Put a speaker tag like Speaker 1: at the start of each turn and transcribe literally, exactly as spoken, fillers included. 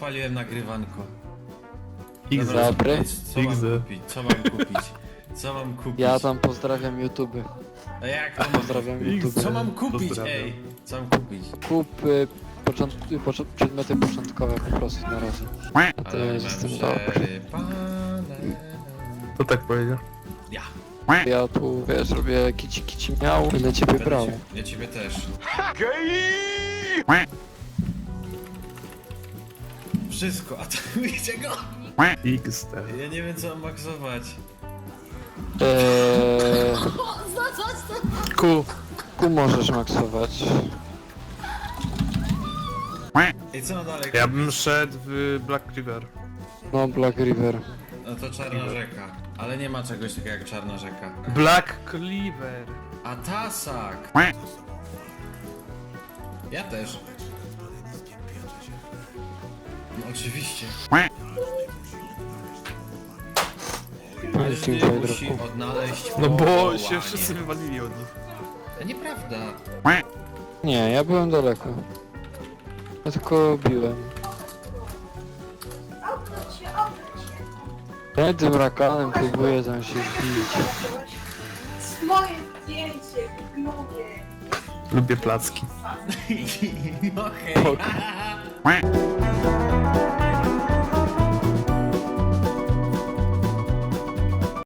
Speaker 1: odpaliłem nagrywanko.
Speaker 2: X
Speaker 1: Dobra,
Speaker 3: Dobry.
Speaker 1: Co mam
Speaker 2: X D.
Speaker 1: kupić? Co mam kupić? Co mam kupić?
Speaker 3: Ja tam pozdrawiam YouTube.
Speaker 1: A jak to mam?
Speaker 3: Pozdrawiam YouTube.
Speaker 1: Co mam kupić,
Speaker 2: Pozdrawiam.
Speaker 1: ej? Co mam kupić?
Speaker 3: Kup y, począt, y, począ- przedmioty początkowe po prostu na razie. A to
Speaker 1: Ale
Speaker 3: jest
Speaker 1: mam
Speaker 3: jestem dobry.
Speaker 1: przerypane.
Speaker 2: To tak powiedział.
Speaker 1: Ja.
Speaker 3: Ja tu wiesz, robię kici kici miał, będę ciebie
Speaker 1: Będę
Speaker 3: brał.
Speaker 1: cię- Ja ciebie też. Wszystko, atakujcie go!
Speaker 2: X D.
Speaker 1: Ja nie wiem co mam maksować.
Speaker 3: Eee,
Speaker 2: Ku.
Speaker 3: tu możesz maksować.
Speaker 1: Ej, co mam dalej?
Speaker 2: Ja bym szedł w Black River.
Speaker 3: No Black River.
Speaker 1: No to Czarna Rzeka. Ale nie ma czegoś takiego jak Czarna Rzeka.
Speaker 2: Black Cleaver.
Speaker 1: A Tasak! Ja też. No oczywiście.
Speaker 3: Dziękuję,
Speaker 1: Każdy musi
Speaker 3: drogu.
Speaker 1: odnaleźć
Speaker 2: No bo
Speaker 1: powołanie.
Speaker 2: się wszyscy wywalili od nich.
Speaker 1: A nieprawda.
Speaker 3: Nie, ja byłem daleko. Ja tylko biłem. Ja tym rakanem próbuję tam się wbić.
Speaker 4: Moje zdjęcie w klubie.
Speaker 2: Lubię placki.
Speaker 1: No hej.